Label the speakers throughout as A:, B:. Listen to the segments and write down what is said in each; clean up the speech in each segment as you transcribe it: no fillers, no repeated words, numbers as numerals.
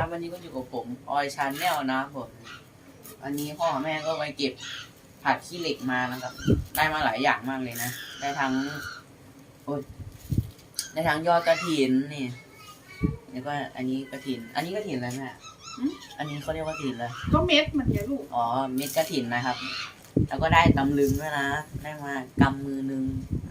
A: ครับวันนี้ก็อยู่กับผมออยชาแนลนะครับผมวันนี้พ่อกับแม่ก็ไปเก็บผักขี้เหล็กมานะครับได้มาหลายอย่างมากเลยนะได้ทั้งได้ทั้งยอดกระถินนี่แล้วก็อันนี้กระถินอะไรแม่อันนี้เขาเรียกว่ากระถินเลย
B: ก็เม็ดมันเนี่ยลูก
A: อ๋อเม็ดกระถินนะครับแล้วก็ได้ตำลึงด้วยนะได้มากำมือนึง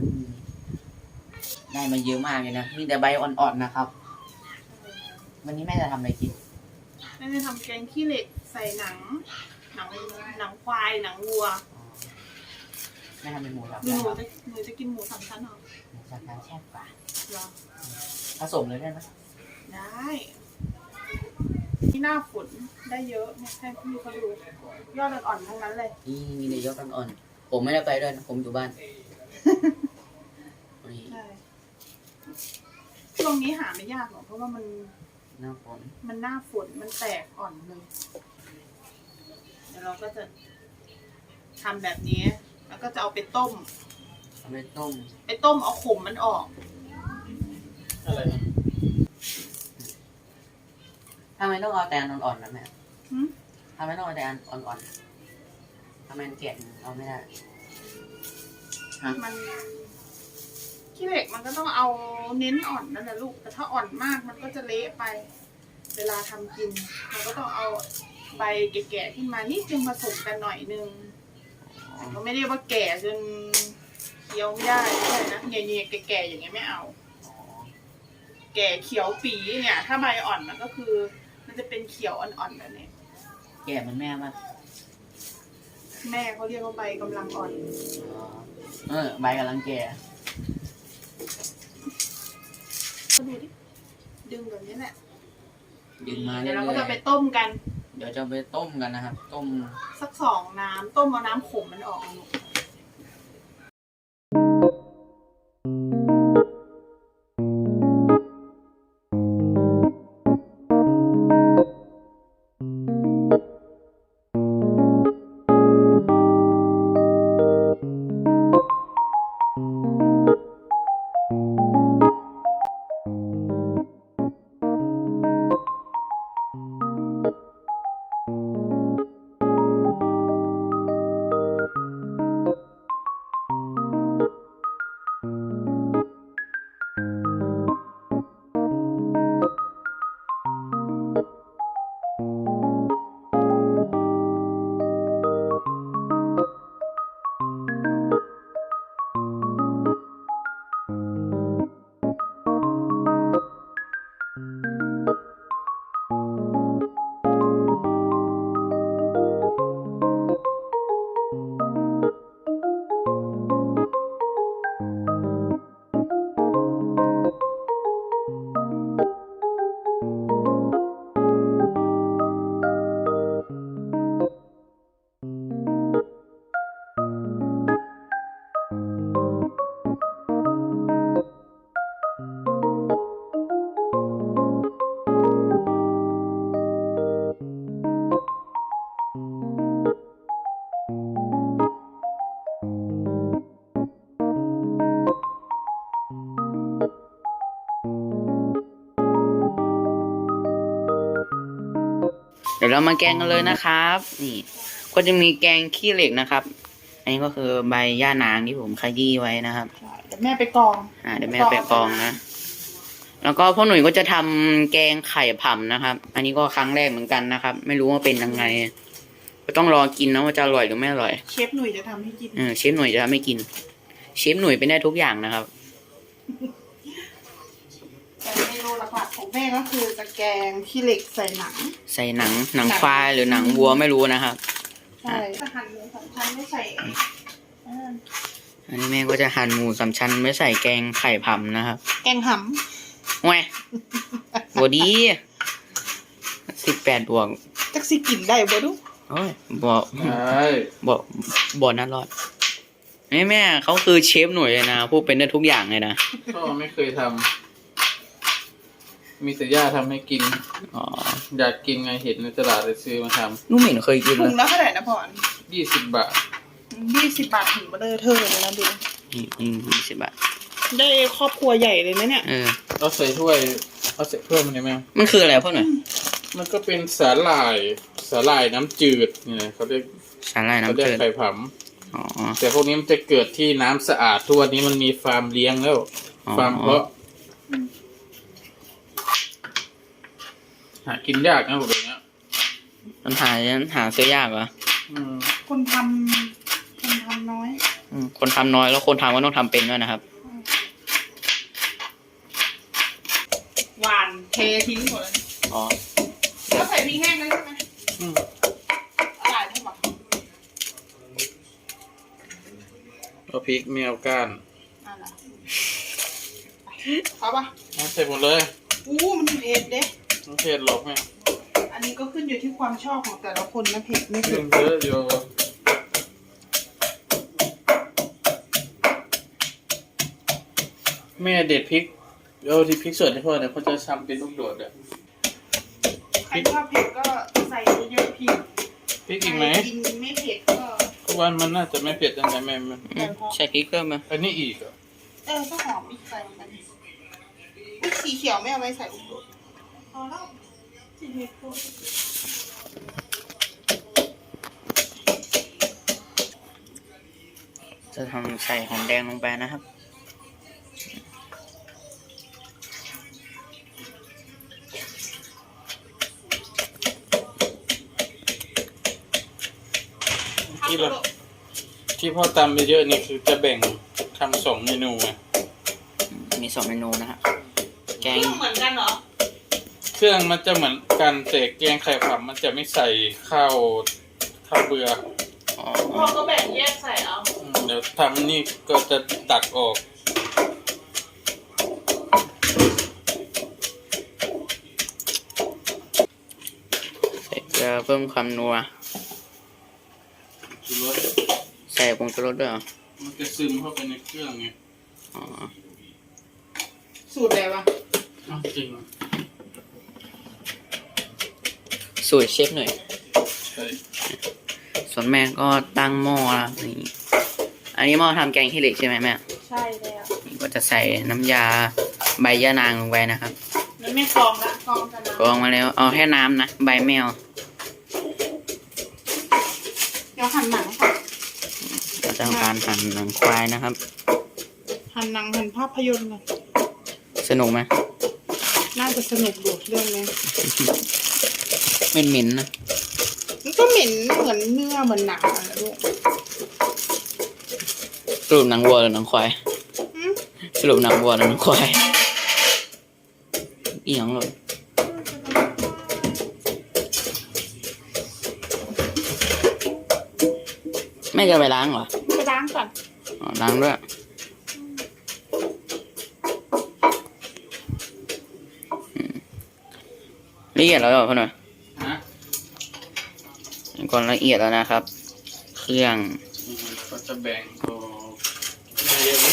A: ได้มาเยอะมากเลยนะมีแต่ใบอ่อนๆนะครับวันนี้แม่จะทำอะไรกิน
B: แม่จะทำแกงขี้เหล็กใส่หนังควายหนังวัว
A: แม่ทำเป็นหมูสับ
B: หนูจะกินหมูสามชั้นเหรอ
A: หมูสับแซ่บกว่า
B: หรอ
A: ผสมเลยได้ไหม
B: ได้ที่หน้าฝนได้เยอะเนี่ยให้พี่เขาดูยอดอ่อนๆทั้งนั้นเลย
A: นี่มีแต่ยอดอ่อนๆผมไม่ได้ไปด้วยนะผมอยู่บ้าน
B: ใช่ช่วงนี้หาไม่ยากหรอกเพราะว่ามัน
A: หน้าฝน
B: มันแตกอ่อนเลยเดี๋ยวเราก็จะทำแบบนี้แล้วก็จะเอาไปต้มเอาขมมันออก
A: อะไรทำไมต้องเอาแต่อ่อนๆนะแม่ทำไมต้องเอาแต่อ่อนๆทำไมแกะเอาไม่ได้
B: มันขี้เหล็กมันก็ต้องเอาเน้นอ่อนนั่นแหละลูกแต่ถ้าอ่อนมากมันก็จะเละไปเวลาทำกินเราก็ต้องเอาใบแก่ๆขึ้นมานิดนึงผสมกันหน่อยนึงก็ไม่ได้ว่าแก่จนเคี้ยวไม่ได้เลยนะเงี้ยๆแก่ๆอย่างเงี้ยไม่เอาแก่เขียวปีเนี่ยถ้าใบอ่อนมันก็คือมันจะเป็นเขียวอ่อนๆแบบนี้
A: แก่มันแม่มาก
B: แม่เขาเรียกว่าใบกำลังอ่อน
A: ใบกำลังแก่
B: ก็ดูดิดึงแบบนี้แหละ
A: ดึงมา
B: เดี๋ยวเราก็จะไปต้มกัน
A: เดี๋ยวจะไปต้มกันนะครับต้ม
B: สัก2 น้ำต้มเอาน้ำขมมันออก
A: เดี๋ยวเรามาแกงกันเลยนะครับนี่ก็จะมีแกงขี้เหล็กนะครับอันนี้ก็คือใบย่านางที่ผมขยี้ไว้นะครับ
B: เดี๋ยวแม่ไปกอง
A: เดี๋ยวแม่ไปกองนะแล้วก็พ่อหนุ่ยก็จะทำแกงไข่ผำนะครับอันนี้ก็ครั้งแรกเหมือนกันนะครับไม่รู้ว่าเป็นยังไงก็ต้องรอกินนะว่าจะอร่อยหรือไม่อร่อย
B: เชฟหนุ่ยจะทำให้กิน
A: เชฟหนุ่ยจะทำให้กินเชฟหนุ่ยเป็นได้ทุกอย่างนะครับ
B: แต่เมนูหลักๆของแม่ก็คือจะแกงขี้เหล็กใส่ห
A: นังควายหรือหนังวัวไม่รู้นะครับ
B: ใช่หั่นหมูสามชั้นไม่ใส่
A: อันนี้แม่ก็จะหั่นหมูสามชั้นไม่ใส่แกงไข่ผำนะครับ
B: แกงห
A: ำแหวบดี18 ดวง
B: จักสิกินได้บ่ดู
A: โอ้ยบ่น่ารอดแม่เขาคือเชฟหน่วยเลยนะพูดเป็นได้ทุกอย่างเลยนะ
C: พ่อไม่เคยทำมีแต่ย่าทำให้กินอยากกินไงเห็นในตลาดเลยซื้อมาทำ
A: นุ่มเหม็นเคยกิน
B: ถุงละเท่าไหร่นะพ่อ
C: 20 บาท
B: 20 บาทถึงมาเลยเธอเลยนะดู
A: 20 บาท
B: ได้ครอบครัวใหญ่เลยนะเนี่ย
C: เอาใส่ถ้วยมันได้ไหม
A: มันคืออะไรพ่อหน่อย
C: มันก็เป็นสาหร่ายน้ำจืดเนี่ยเขาเรียก
A: สาหร่าย
C: เขา
A: น้ำ
C: เรียก
A: จืด
C: ไข่ผ
A: อ๋อ
C: ำแต่พวกนี้มันจะเกิดที่น้ำสะอาดทุกวันนี้มันมีฟาร์มเลี้ยงแล้ว
A: อ๋อ
C: ฟาร์มเพาะหากินยากนะพวกเนี้ย
A: มันหาซื้อยากเหรอ
C: อืม
B: คนทำน้อย
A: คนทำน้อยแล้วคนทำก็ต้องทำเป็นด้วยนะครับ
B: หวานเททิ้งหมดเลย
A: อ๋อ
B: แล้วใส่พริกแห้งด้วยใช่ไหม
C: อืม
B: อะไรใช่ปะ
C: เอาพริกไม่เอาก้าน
B: อะไรเอาปะ
C: เอาใส่หมดเลย
B: มันเผ็ดเด้
C: ไม่เผ็ดหรอกแม่
B: อันนี้ก็ขึ้นอยู่ที่ความชอบของแต่ละคนนะเผ็ดไม่
C: เครื่
B: เผ็
C: อง
B: ด
C: เยอะอยู่แม่เด็ดพริกที่พริกสดให้พ่อเนี่ยเขาจะทำเป็นลูกโดดอ่ะ
B: ใครชอบเผ็ดก็ใส่เยอะๆพริก
C: พริกอีกไหม
B: ใครกินไม่เผ็ดก็
C: เพราะว่ามันน่าจะไม่เผ็ดตั้งแต่แม่
A: ใส่พริกเพิ่มมา
C: อันนี้อีกเหรอ
B: ก็หอมอีกใส่ลงไปสีเขียวไม่เอาไว้ใส่อุดมพอแล้วสีเขียว
A: จะทำใส่หอมแดงลงไปนะครับ
C: ที่พ่อตำไปเยอะนี่คือจะแบ่งทำ2 เมนูไง
A: มี2 เมนูนะครับแก
B: เค
A: ง
B: รื่องเหมือนกันเหรอ
C: เครื่องมันจะเหมือนกันแต่แกงไข่ผำมันจะไม่ใส่ข้าวเบื่อ
A: อ๋อ
B: พ่อก็แบ่งแยกใส่เอา
C: เดี๋ยวทำนี่ก็จะตักออก
A: ใส่เกลือเพิ่มความนัว
C: ชูรส
A: ใส่ผงชูรสด้วยเหรอ
C: มันจะซึมเข้าไปในเครื่องไง
A: อ๋อ
B: สูตรอะไรวะ
C: อ้าวจริงเหรอ
A: สูตรเชฟหน่อย
C: ใช่
A: ส่วนแม่ก็ตั้งหม้อแล้วนี่อันนี้หม้อทำแกงขี้เหล็กใช่ไหมแม่
B: ใช่แล้ว
A: นี่ก็จะใส่น้ำยาใบยะนางลงไปนะครับ
B: มันไม่กรองละกรองกันนะ
A: กรองมาแล้วเอาแค่น้ำนะใบแมว
B: เดี๋ยวหั่นหนังค่ะ
A: เราจะทำการหั่นหนังควายนะครับ
B: หั่นหนังหั่นภาพยนตร์กัน
A: สนุกไหม
B: น่าจะสนุกดูเรื่องนี้
A: เหม็นๆนะ
B: มันก็เหม็นเหมือนเนื้อเหมือนหนังอะนะลูก
A: สรุปหนังวัวหรือหนังควาย
B: อืม
A: สรุปหนังวัวหรือหนังควายอีหยังเลยแม่จะไปล้างเหรอ
B: ไปล้างก่อน
A: อ๋อล้างด้วยละเอียดแล้วเหรอพ่อหน่อย
C: ฮะ
A: ก่อนละเอียดแล้วนะครับ เครื่อง
C: ก็จะแบ่งออกเยอะไหม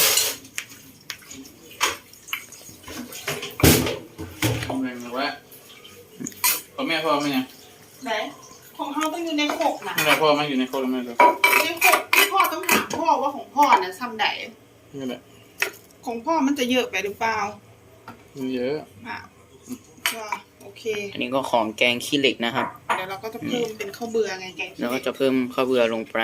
C: แบ่งเอาไว้พ่อแม่พ่อไหมเนี่ย
B: ไหนของเขาต้องอยู่ในโขกนะ
C: ไม่ได้พ่อไหมอยู่ในโคตรไม่รู้
B: ในโขกที่พ่อต้องถามพ่อว่าของพ่อน่ะทำไหน
C: นี่แหละ
B: ของพ่อมันจะเยอะไปหรือเปล่า
C: มีเยอะ
B: อ่ะก็โอเค
A: อันนี้ก็ของแกงขี้เหล็กนะครับ
B: เดี๋ยวเราก็จะเพิ่มเป็นข้าวเบื่อไงแกงขี้
A: แล้ว
B: เห
A: ก็
B: ล็ก
A: จะเพิ่มข้าวเบื่อลงไป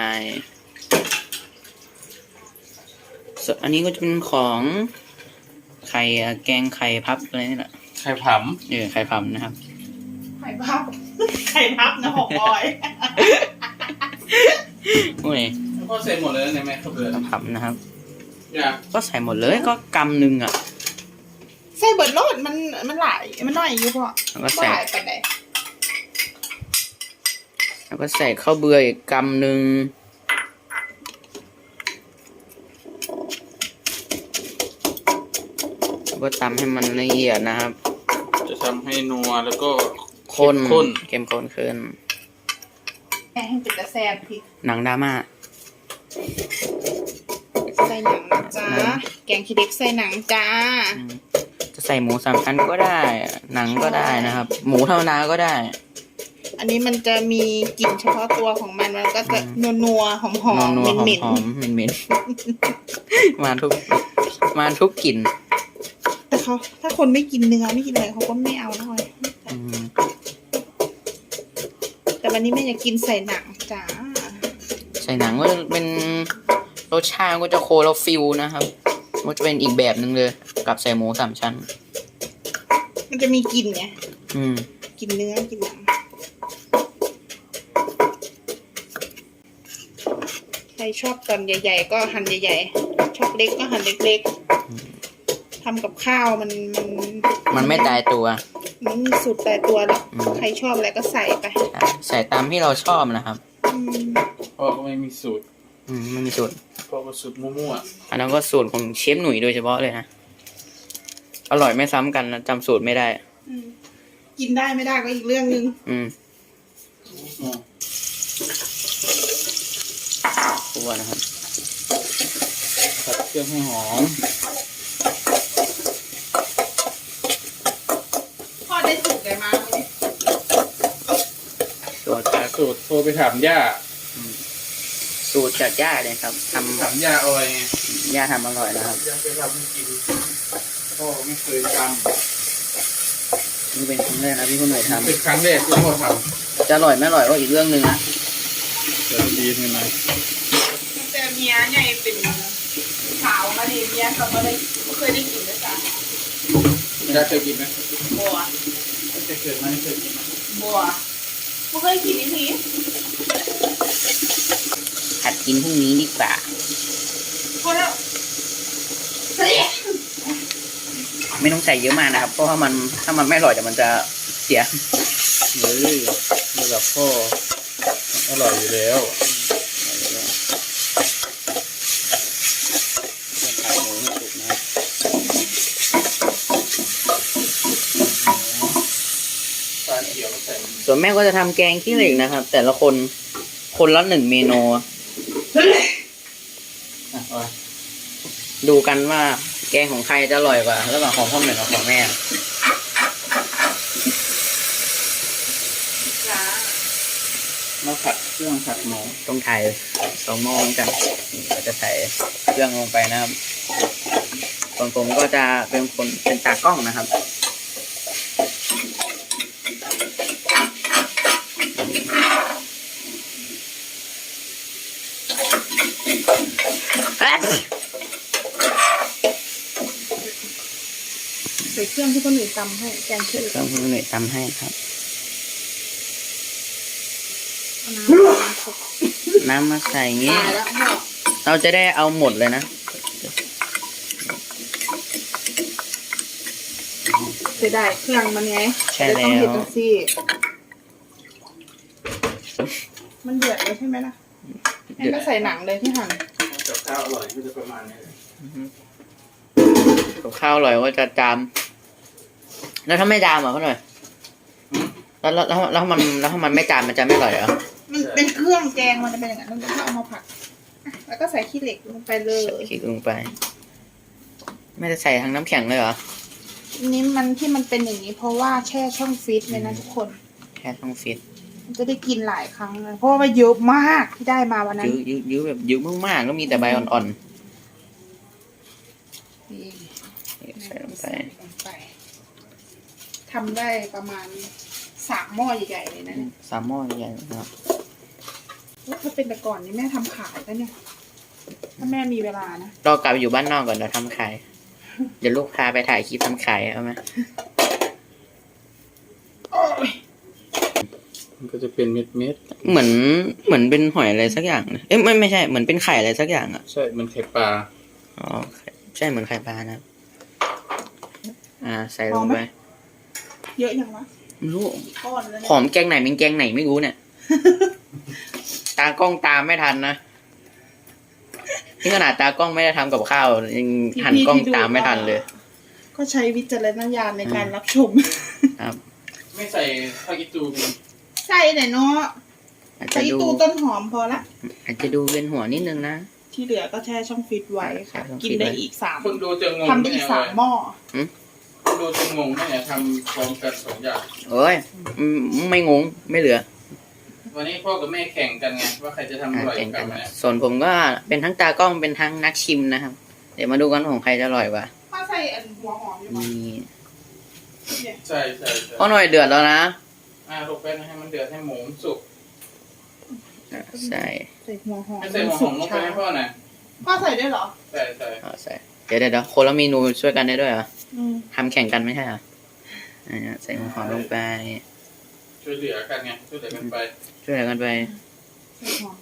A: ส่วนอันนี้ก็จะเป็นของไข่แกงไข่พับอะไรนี่แหละ
C: ไข่ผ
A: ไข่พับนะครับ
B: ไข่พับ ไข่พับนะหกออย
A: โอ้ย
C: ำพ่อใส่หมดเลยในแม่ข้าวเบื่อ
A: ไข่พับนะครับ
C: อยาก
A: ก็ใส่หมดเลยก็กำหนึ่งอ่ะ
B: ใส่เบิร์ดโลดมันหลายมันน้อยอยู่พ่อ
A: แล้วก็
B: บ่
A: ใส่
B: หลายปานใด
A: แล้วก็ใส่ข้าวเบื่ออีกกำหนึ่งแล้วก็ตำให้มันละเอียดนะครับ
C: จะทำให้นัวแล้วก็
A: ข้น
C: ข้น
A: เข้มข้นขึ้น
B: แม่ให้เป็นตะแซ่บพี่
A: หนังดราม่า
B: ใส่หนังนะจ๊ะแกงขี้เหล็กใส่หนังจ้า
A: จะใส่หมู3 ชั้นก็ได้ หนังก็ได้นะครับ หมูธรรมดาก็ได้
B: อันนี้มันจะมีกลิ่นเฉพาะตัวของมันก็จะนัวๆหอม
A: นัว
B: ๆ
A: ๆ
B: เหม็น
A: หอมๆเหม็นๆ มาทุกกลิ่น
B: ๆแต่เขาถ้าคนไม่กินเนื้อไม่กินอะไรเขาก็ไม่เอาหน่อย
A: อืม
B: วันนี้แม่อยากกินใส่หนังจ้า
A: ใส่หนังก็จะเป็นรสชาติก็จะโคลาฟิลนะครับก็จะเป็นอีกแบบหนึ่งเลยกับใส่หมูสามชั้น
B: มันจะมีกลิ่นไง
A: อืม
B: กินเนื้อกินหนังใครชอบตอนใหญ่ๆก็หั่นใหญ่ๆชอบเล็กก็หั่นเล็กๆทำกับข้าว
A: มันไม่ตายตัว
B: มันมีสูตรแต่ตัวหรอก
A: อืม
B: ใครชอบอะไรก็ใส่ไป
A: ใส่ตามที่เราชอบนะครับ
B: อืม
C: พ่อก็ไม่มีสูตร
A: ไม่มีสูตร
C: พ่อก็สูตรมั่ว
A: อันนั้นก็สูตรของเชฟหนุ่ยโดยเฉพาะเลยนะอร่อยไม่ซ้ำกันนะจำสูตรไม่ได้
B: อืมกินได้ไม่ได้ก็อีกเรื่องนึง
A: อืม
C: ๆ
A: คั่วนะครับ
C: ผัดเครื่องให้หอม
B: พ่อได้สูตรอะไรมาวันนี้
A: สูตร
C: หาสูตรโทรไปถามย่า
A: สูตรจากย่าเลยครับท
C: ถามย่าออยไง
A: ำย่าทำอร่อยนะครับ
C: ย่าเคยทำให้กินพ่อไม่เคยท
A: นี่เป็นครั้งแรกนะที่คุณหน่วย
C: ำ
A: ทำ
C: เป็นครั้งแรกที่พ่อท
A: จะอร่อยไม่อร่อยก็อีกเรื่องหนึ่งนะ
C: ำจะดีขึ้นไหม
B: แต่เมียใหญ่เป็นขาวมาดิเมียกลับมาเลยไม่เคยได้กินเลยจ้ะ
C: ย่าเคยกินไหม
B: บัว
C: ไม่เคยไหมเคยกินไหม
B: บัวไม่เคยกินอีกที
A: หัดกินพรุ่งนี้ดีกว่า
B: พอแล้วเสีย
A: ไม่ต้องใส่เยอะมากนะครับ เพราะว่ามันถ้ามันไม่อร่อยเดี๋ยวมันจะเสีย
C: เฮ้ยระดับพ่ออร่อยอยู่แล้ว
A: ใส่หมูให้สุกนะครับ
C: ปลาเขียวใส่
A: ส่วนแม่ก็จะทำแกงขี้เหล็กนะครับ แต่ละคนคนละ1 เมนู
C: อ่ะเอา
A: ดูกันว่าแกงของใครจะอร่อยกว่าระหว่างของพ่อหนึ่งกับของแม่
B: จ้า
C: มาผัดเครื่องผัดหมู
A: ต้องถ่าย2 หม้อเหมือนกันนี่ก็จะใส่เครื่องลงไปนะครับส่วนผมก็จะเป็นตากล้องนะครับเอ๊ะ
B: ใส่เครื่องที่คนอื่นตำให้แกงขี้เหล็ก
A: เครื่องคุณหน่วยทำให้ครับ
B: เอาน้ำมาคลุก
A: น้ำมาใส่อย่างงี้
B: ตายแล้วพ่อ
A: เราจะได้เอาหมดเลยนะ
B: เสียดายเครื่องมันไง
A: ใช่แล้ว
B: ต้องเห็ดจังซี่มันเดือดเลยใช่ไหมล่ะแม่ก็ใส่หนังเลยที่หั่น
C: กับข้าวอร่อยก็จะประมาณนี้เลย
A: กับข้าวอร่อยก็จะจามแล้วถ้าไม่จามอ่ะเขาหน่อยแล้วถ้ามันไม่จามมันจะไม่อร่อยเหรอ
B: มันเป็นเครื่องแกงมันจะเป็นอย่างนั้นแล้วก็เอามาผัดอ่ะแล้วก็ใส่ขี้เหล็กลงไปเลย
A: คลิกลงไป ไม่จะใส่ทั้งน้ำแข็งเลยเหรอ
B: นี่มันที่มันเป็นอย่างนี้ เพราะว่าแช่ช่องฟรีซเลยนะทุกคน
A: แค่ต้องฟิต
B: มันจะได้กินหลายครั้งเลยเพราะว่าเยอะมากที่ได้มาวันนั้น
A: ยื้อแบบยื้อมากๆแล้วมีแต่ใบอ่อน
B: นี่
A: ๆใส่ลงไป
B: ไปทำได้ประมาณ3 หม้อใหญ่ๆเลยนะเนี่ย
A: 3 หม้อใหญ่นะครับ
B: ถ้าเป็นแต่ก่อนนี่แม่ทำขายแล้วเนี่ย ถ้าแม่มีเวลานะ
A: รอกลับไปอยู่บ้านนอกก่อนเดี๋ยวทำขาย เดี๋ยวลูกพาไปถ่ายคลิปทำขายเอาไหม
C: มันก็จะเป็นเม็ด
A: เหมือนเป็นหอยอะไรสักอย่างนะเอ้ยไม่ใช่เหมือนเป็นไข่อะไรสักอย่างอ่ะ
C: ๆใช่มันไข่ปลา
A: อ๋อใช่เหมือนไข่ปลานะครับใส่ลงไป
B: เยอะยังวะ
A: ไม่รู้
B: ก้อนแล้ว
A: หอมแกงไหนเป็นแกงไหนไม่รู้เนี่ย ตากล้องตามไม่ทันนะนี่ขนาดตากล้องไม่ได้ทำกับข้าวยังหันกล้องตามไม่ทันเลย
B: ก็ใช้วิจารณญาณในการรับชม
A: ครับ
C: ไม่ใส่ผักอีตูมี
B: ใส่หน่อยเนาะ
A: อาจ
B: ใส่
A: จะดู
B: ตู้ต้นหอมพอละ
A: อาจจะดูเวียนหัวนิดนึงนะ
B: ที่เหลือก็แช่ช่องฟรีซไว้ค่ะ
A: แช่ช่องฟรี
B: กิ
A: ซ
B: น
A: ไว้
B: ได้อีก3
C: คนดูจะงง
B: ทำได้อีก3 หม้อ
C: คนดูจะงงเนี่ยทำพร้อมกัน2 อย่าง
A: เอ้ยไม่งงไม่เหลือ
C: วันนี้พ่อกับแม่แข่งกันไงว่าใครจะทำอร่อย
A: แข่ง
C: กั
A: กัน น
C: เนี่ย
A: ส่วนผมก็เป็นทั้งตากล้องเป็นทั้งนักชิมนะครับ เดี๋ยวมาดูกันว่าของใครจะอร่อยกว่า
B: ถ้าใส่หัวหอมอยู่มั้
A: นี่
C: ใช่
A: พ่อหน่อยเดือดแล้วนะ
C: ลูกแป้งให้มันเดือดให้หมูมันสุก
A: ใส่
B: ใส่หัวหอม
C: ไม่ใส่หัวหอมลงไปให้พ่อหน่อย
B: พ่อใส่ด้วยเหรอ
C: ใส่ใส่
A: ใส่เดี๋ยวคนละเมนูช่วยกันได้ด้วยเหรอ
B: อืม
A: ทำแข่งกันไม่ใช่เหรอใส่หัวหอมลงไป
C: ช่วยเหลือกันไงช่วยเหลือกันไป
A: ช่วยกันไป
B: ใส่หอม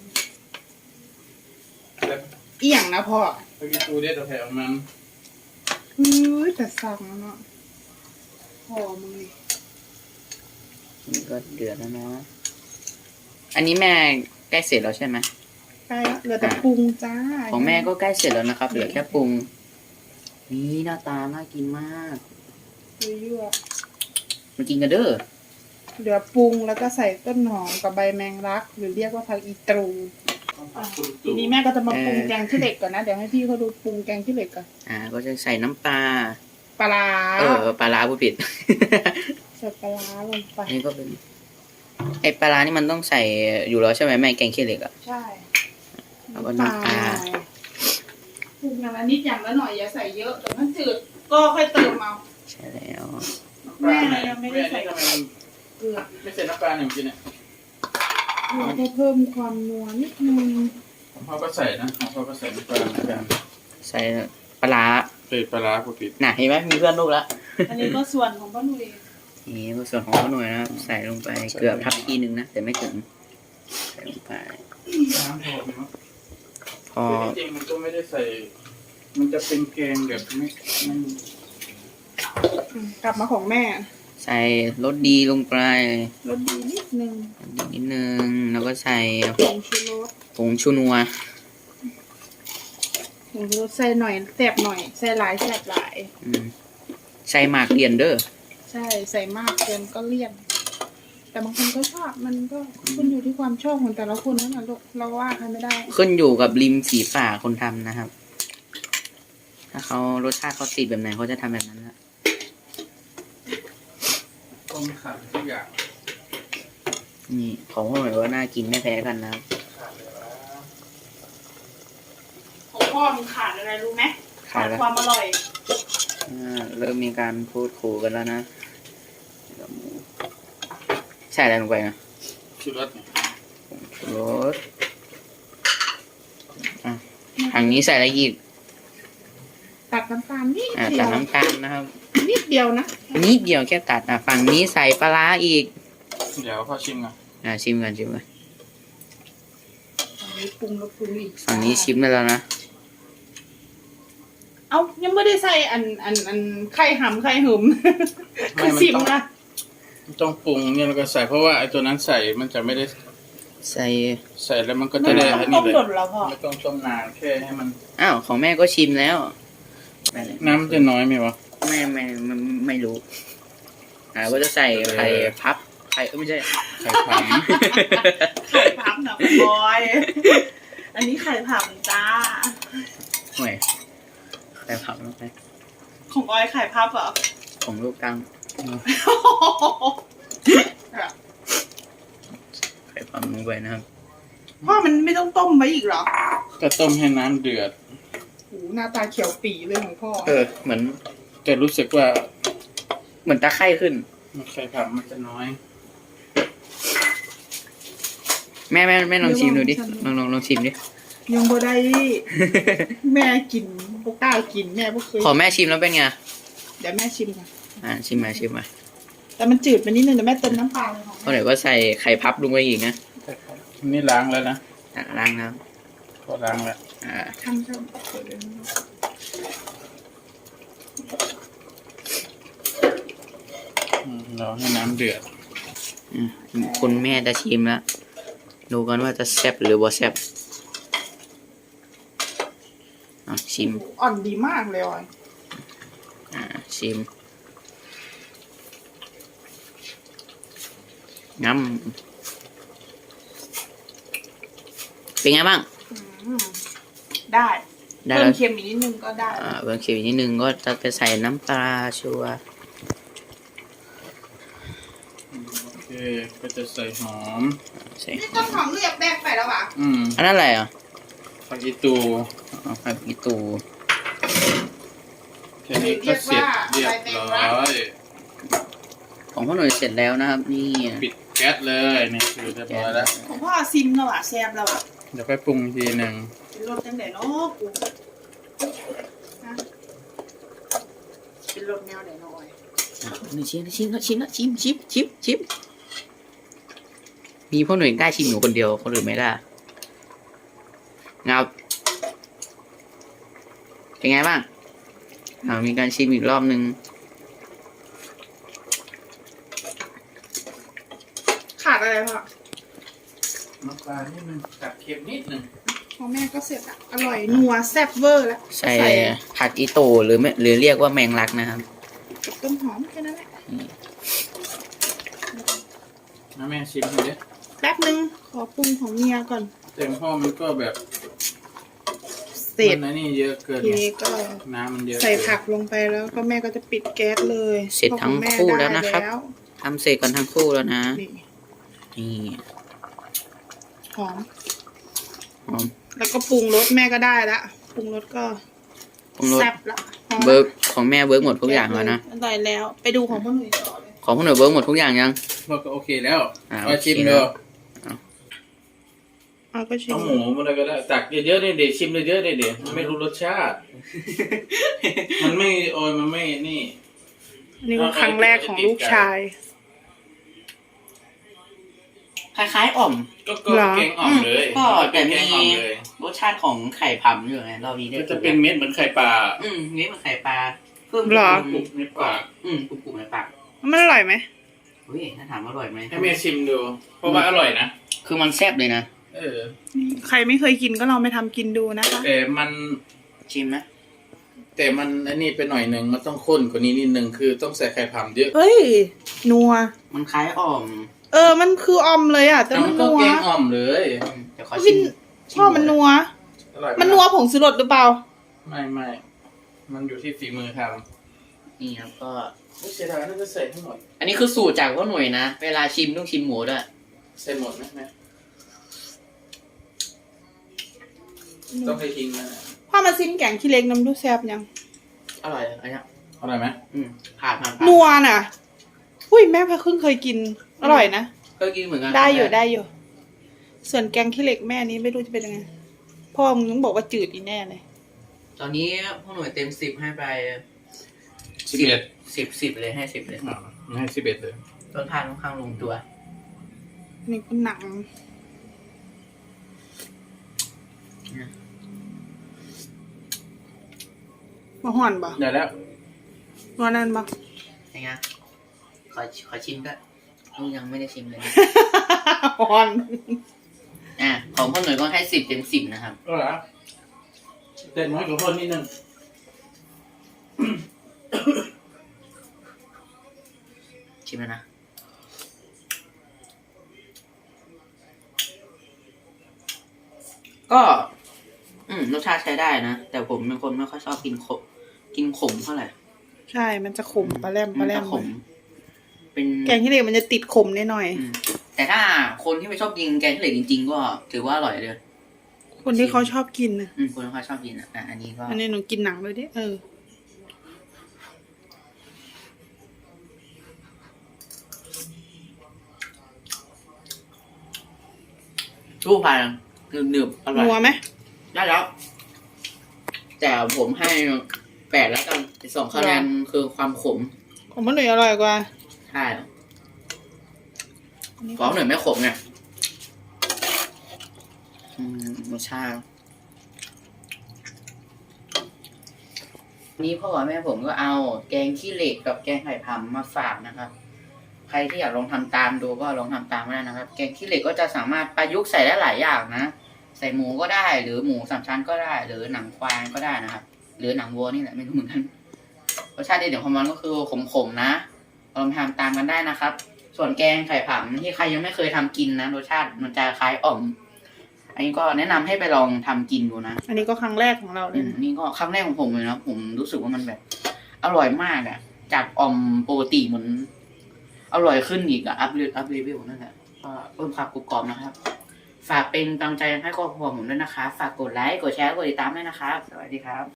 C: แล้ว
B: เอี่ยงนะพ่อ
C: ไปกินตูเด็ดแถวมัน
B: แต่สั่งเนาะหอมเลย
A: นี่ก็เดือดแล้วเนาะอันนี้แม่ใกล้เสร็จแล้วใช่ไหม
B: ใกล้แล้วเหลือแต่ปรุงจ้า
A: ของแม่ก็ใกล้เสร็จแล้วนะครับ เหลือแค่ปรุงนี่หน้าตาน่ากินมาก
B: ยั่ว
A: มากินกันเด้อ
B: ๆเหลือปรุงแล้วก็ใส่ต้นหอมกับใบแมงลัก หรือเรียกว่าผักอีตรูทีนี้แม่ก็จะมาปรุงแกงขี้เหล็กก่อนนะ เดี๋ยวให้พี่เขาดูปรุงแกงขี้เหล็กก่อน
A: ก็จะใส่น้ำปลา
B: ปลาร้า
A: ปลาร้าผู้ผิด
B: ใส่ปลาร้าลงไป
A: นี่ก็เป็นไอปลาร้านี่มันต้องใส่อยู่แล้วใช่ไหมแม่แกงขี้เหล็กอ่ะ
B: ใช่
A: แล้วก็น้ำปลา
B: ปรุงอย่างละนิดอย่างละหน่อยอย่าใส่เยอะเดี๋ยวมันจืดก็ค่อยเติมเอา
A: ใช่แล้ว
B: แม่ยังไม่ได้ใส่
C: ทำไมมัน
B: เกลือ
C: ไม่ใส่น้ำปลาหนึ่งกินเนี่ย
B: เราก็เพิ่มความนัวนิดนึง
C: ของพ่อก็ใส่นะของพ่อก็ใส่น้ำปลาเหมือนกัน
A: ใส่ปลาร้า
C: ใส่ปลาร้าผู้ผิด
A: น่ะเห็นไหมมีเพื่อนลูกละ
B: อันนี้ก็ส่วนของป้าหนุ่ย
A: นี่ก็ส่วนของข้าวหน่วยนะครับใส่ลงไปเกือบทัพพีนึงนะแต่ไม่ถึงใส่ลงไป
C: น้ำพอไหมครับ
A: พอ
C: จริงๆมันก็ไม่ได้ใส่ มันจะเป็นแกงแบบไม่
B: กลับมาของแม่
A: ใส่รสดีลงไป
B: รสดีนิดนึง
A: นิดนึงแล้วก็ใส่
B: ผงชูรส
A: ผงชูนัว
B: ผงชูรสใส่หน่อยแสบหน่อยใส่หลายแสบหลาย
A: ใส่หมากเรียนเด้อ
B: ใช่ใส่มากเกินก็เลี่ยน แต่บางคนก็ชอบมันก็ขึ้นอยู่ที่ความชอบของแต่ละคนนั่นแหละลูกเราว่าใครไม่ได้
A: ขึ้นอยู่กับริมฝีปากคนทำนะครับ ถ้าเขารสชาติเขาติดแบบไหนเขาจะทำแบบนั้นนะ
C: ต้มขาดทุกอย่าง
A: นี่ของพ่อหน่อยก็น่ากินไม่แพ้กันนะครับ
C: ขาดเลยว่า
B: ของพ่อมันขาดอะไรรู้ไหม
A: ขาดแล้ว
B: ความอร่อย
A: เริ่มมีการพูดขู่กันแล้วนะใส่อะไรลงไปนะ
C: ชูรสเนี่ย
A: รสทางนี้ใส่อะไรอีก
B: ตัดน้ำตาลนิด
A: ตั
B: เดี
A: ด
B: ยว
A: น้ำตาลนะครับ
B: นิดเดียวนะ
A: นิดเดียวแค่ตัดฝั่งนี้ใส่ปลาร้าอีก
C: เดี๋ยวพ่อชิมก่อน
A: ชิมกันชิมกัน
B: ฝั่งนี้ปรุงแล้วปรุงอีก
A: ฝั่งนี้ชิมได้แล้วนะ
B: เอายังไม่ได้ใส่อันไข่หำไข่หึม
C: ไม่
B: คือชิมนะ
C: ต้องปรุงเนี่ยแล้วก็ใส่เพราะว่าไอ้ตัวนั้นใส่มันจะไม่ได้
A: ใส่
C: ใส่แล้วมันก็
B: ไม่
C: จะได้
B: ต้
C: อั
B: อน ง
C: นี้
B: ต้ม
C: เลย
B: หล่นแล้วพ่อ
C: ไม่ต้องต้มนานแค่ให้มัน
A: อ้าวของแม่ก็ชิมแล้ว
C: น้ำจะน้อยไหมวะ
A: ไม่รู้ก็จะใส่ไข่พับไข่ไม่ใช่
C: ไข่ผำ
B: ไข่ผับหน่ะคุณบอย อันนี้ไข่ผับจ้า
A: ห่วยไข่พับลงไป
B: ของออยไข่พับเหรอ
A: ของลูกกังไข่พับลงไปนะครับ
B: พ่อมันไม่ต้องต้มไว้อีกเหรอ
C: ก็ต้มให้น้ำเดือด
B: โหหน้าตาเขียวปีเลยของพ่อ
A: เหมือน
C: แต่รู้สึกว่า
A: เหมือนตะไคร่ขึ้น
C: ไข่ผำมันจะน้อย
A: แม่ลองชิมดูดิลองชิมดิ
B: ยังบ่ได้ แม่กินพวกกล้ากินแม่พวกเคย
A: ขอแม่ชิมแล้วเป็นไง
B: เดี๋ยวแม่ชิมก่อน
A: ชิมมา
B: แต่มันจืดไปนิดนึงเดี๋ยวแม่เติมน้ำปลาเลยของ
A: เพราะเดี๋ยวก็ใส่ไข่พับลงไปอีกนะ
C: นี่ล้างแล้วนะ
A: ล้างน้
C: ก็ล้างแล้ว
B: ทำช่ำเปิดเลยนะ
C: รอให้น้ำเดือด
A: คุณแม่จะชิมแล้วดูกันว่าจะแซ่บหรือบ่แซ่บชิม
B: อ่อนดีมากเลยออย
A: ชิมงั้มเป็นไงบ้าง
B: ได้
A: ได้
B: เพิ่
A: แล้
B: ม
A: ว
B: เค็มอีกนิดนึงก็ได้
A: เบิ่งเขียวนิดนึงก็จะไปใส่น้ำปลาชัวร์
C: โอเคก็จะใส่หอม
A: ใส่
B: นี่ต้นหอมเรียบแบกไปแล้วอ่ะ
A: อันนั้นอะไรอ่ะ
C: ผักอีตู
A: ผักอีตู
C: แค่นี้ก็เสร็จเรียบร้อย
A: ของพ่อหน่วยเสร็จแล้วนะครับ นี่
C: ปิดแก๊สเลยนี่คือเรียบร้อยแล้ว
B: ของพ่อซิมแล้วอ่ะแซ่บแล้วอ่ะ
C: เดี๋ยวค่อยปรุงอีกทีหนึ่ง
B: เป็นรสจังไหนเนาะกูฮะเป็นรสแนวไหนหน่อย
A: หนึ่งชิมมีพ่อหนุ่ยกล้าชิมหนูคนเดียวคนอื่นไม่กล้างับเป็นไงบ้างมีการชิมอีกรอบนึง
B: ขาดอะไรพ่อ
C: น้ำปลานิดนึงตัดเค็มนิดนึง
B: ของแม่ก็เสร็จอ่ะอร่อยนัวแซ่บเวอร์แล้ว
A: ใส่ผักอีโตหรือไม่หรือเรียกว่าแมงลักนะครับ
B: กับต้นหอมแค่นั้นแหละ
C: นะแม่ชิมดูดิ
B: แป๊บนึงขอปรุงของเมียก่อน
C: เต็มพ่อมันก็แบบ
B: เสร็จ
C: มันนี่เยอะเกิน
B: ที
C: ไง
B: นี้ก็
C: น้ำมันเยอะ
B: ใส่ผักลงไปแล้วก็แม่ก็จะปิดแก๊สเลย
A: เสร็จทั้งคู่แล้วนะครับ
B: เพาของแม่
A: ทำเสร็จกันทั้งคู่แล้วนะ
B: ได้แล้วนี่
A: นี่
B: หอม
A: หอม
B: แล้วก็ปรุงรสแม่ก็ได้ละปรุงรสก็
A: ปรุงรส
B: แซ่บละหอม
A: เบิร์กของแม่เบิร์กหมดทุกอย่างแล้วนะ
B: อร่อยแล้วไปดูของพ่อหนุ่ยต่อเลย
A: ของพ่อหนุ่ยเบิร์กหมดทุกอย่างยัง
C: เราก็โอเคแล้ว
A: โอ
C: มา
A: เค
C: ชิม
A: แล้
C: ดู
A: ว
B: เอาก็ชิม
C: เอาหมูมาเลยก็ได้ตักเยอะๆเด็ดชิมเยอะๆเด็ดไม่รู้รสชาติ มันไม่โอยมันไม่นี่
B: อันนี่ก็ครั้งแรกของลูกชาย
A: คล้ายๆอ่อม
C: ก็
B: เหรอ
C: แกงอ่อมเลย
A: ก็แต่
C: แก
A: มี
C: งอ่อมเลย
A: รสชาติของไข่พำอยู่ไงเรานี้ได้
C: ก็จะเป็นเม็ดเหมือนไข่ปลา
A: นี่มันไข่ปลาเพิ่ม
B: เหรอ
C: กรุบในปาก
A: กรุบๆในปาก
B: มันอร่อยไหม
A: เฮ้ยถ้าถามอร่อยไหม
C: ให้แม่ชิมดู เพราะว่าอร่อยนะ
A: คือมันแซ่บเลยนะ
C: เออ
B: ใครไม่เคยกินก็ลองไปทำกินดูนะคะ
C: แต่มัน
A: ชิมไหม
C: แต่มันอันนี้ไปหน่อยหนึ่งมันต้องข้นกว่านี้นิดนึงคือต้องใส่ไข่ผำเยอะ
B: เฮ้ยนัว
A: มันคล้ายอ่อม
B: มันคืออมเลยอ่ะแต่
C: แต่
B: มั
C: มัน น
B: นั
C: ก็
B: ว
C: แกงอ่อมเลย
A: เดี๋ยวขอ
B: วิ
A: ชิ
B: น
A: ม
B: พ่อมันนัว
C: อร่อย
B: มันนัวผงชูรสหรือเปล่า
C: ไม่มันอยู่ที่ฝีมือท
A: นี่ครับก็
C: ำไม่เสียดายน่าจะใส่ทั้งหมด
A: อันนี้คือสูตรจากพ่อหนุ่ยนะ เวลาชิมต้องชิมหมูด้วย
C: ใส่หมดไหมแม่ต้องให้ทิ้งนะ
B: พ่อมาซิมแกงขี้เล็กน้ำดูแซ่บยัง
A: อร่อยอันเนี้ย
C: อร่อยไหม
A: ผ่าน
B: นัวน่ะอุ้ยแม่เพิ่งเคยกิน อร่อยนะ
A: ก็กินเหมือนกัน
B: ได้อยู่ ส่วนแกงขี้เหล็กแม่นี้ไม่รู้จะเป็นยังไง พ่อมึงต้องบอกว่าจืดอีแน่เลย
A: ตอนนี้พ่อหนุ่ยเต็ม10ให้ไป
C: 11
A: 10เลยให้10เลย
C: ให้11เลย
A: รสชาติค่อนข้างลงตัว
B: นี่ก็หนังมาห่อนบ่
C: ได้แล้ว
B: นัวนั่นบ่
A: ยังไงขอชิมก็ยังไม่ได้ชิมเลย
B: ห่อน
A: ของพ่อหนุ่ยก็ให้10เต็ม10นะครับ
C: ก็แล้วเด็ดน้อยกว่าพ่นนิดนึง
A: ชิมแล้วนะ ก็รสชาติใช้ได้นะ แต่ผมเป็นคนไม่ค่อยชอบกินขมเท่าไหร่
B: ใช่มันจะขมปลาแรม
A: มันจะขม เป็น
B: แกงขี้เหล็กมันจะติดขมนิดหน่อย
A: แต่ถ้าคนที่ไม่ชอบกินแกงขี้เหล็กจริงๆก็ถือว่าอร่อยเลย
B: คนที่เขาชอบกินนะ
A: คนที่เขาชอบกินอันนี้ก็
B: อันนี้หนูกินหนังเลยดิ
A: ชู้พายหนึบๆอร่อย
B: นัวไหม
A: ได้แล้ว แต่ผมให้8แล้วกัน2คะแนนคือความขม
B: ของมันหนุ่ยอร่อยกว่า
A: ใช่ของหนึ่งไม่ขมเนี่ยรสชาตินี่พ่อกับแม่ผมก็เอาแกงขี้เหล็กกับแกงไข่พำมาฝากนะครับ ใครที่อยากลองทำตามดูก็ลองทำตามได้นะครับ แกงขี้เหล็กก็จะสามารถประยุกต์ใส่ได้หลายอย่างนะ ใส่หมูก็ได้ หรือหมูสามชั้นก็ได้ หรือหนังควายก็ได้นะครับ หรือหนังวัวนี่แหละไม่รู้เหมือนกัน รสชาติเด็ดของมันก็คือขมๆนะลองทำตามกันได้นะครับ ส่วนแกงไข่ผำที่ใครยังไม่เคยทำกินนะรสชาติมันจะคล้ายอ่อม อันนี้ก็แนะนำให้ไปลองทำกินดูนะ
B: อันนี้ก็ครั้งแรกของเราเลยนะ
A: นี่ก็ครั้งแรกของผมเลยนะผมรู้สึกว่ามันแบบ อร่อยมากอะจากอ่อมปกติเหมือนอร่อยขึ้นอีกอะอัพเลเวลนั่นแหละก็เพิ่มความกรุบกรอบนะครับ ฝากเป็นกำลังใจให้ครอบครัวผมด้วยนะคะ ฝากกดไลค์กดแชร์กดติดตามด้วยนะครับสวัสดีครับ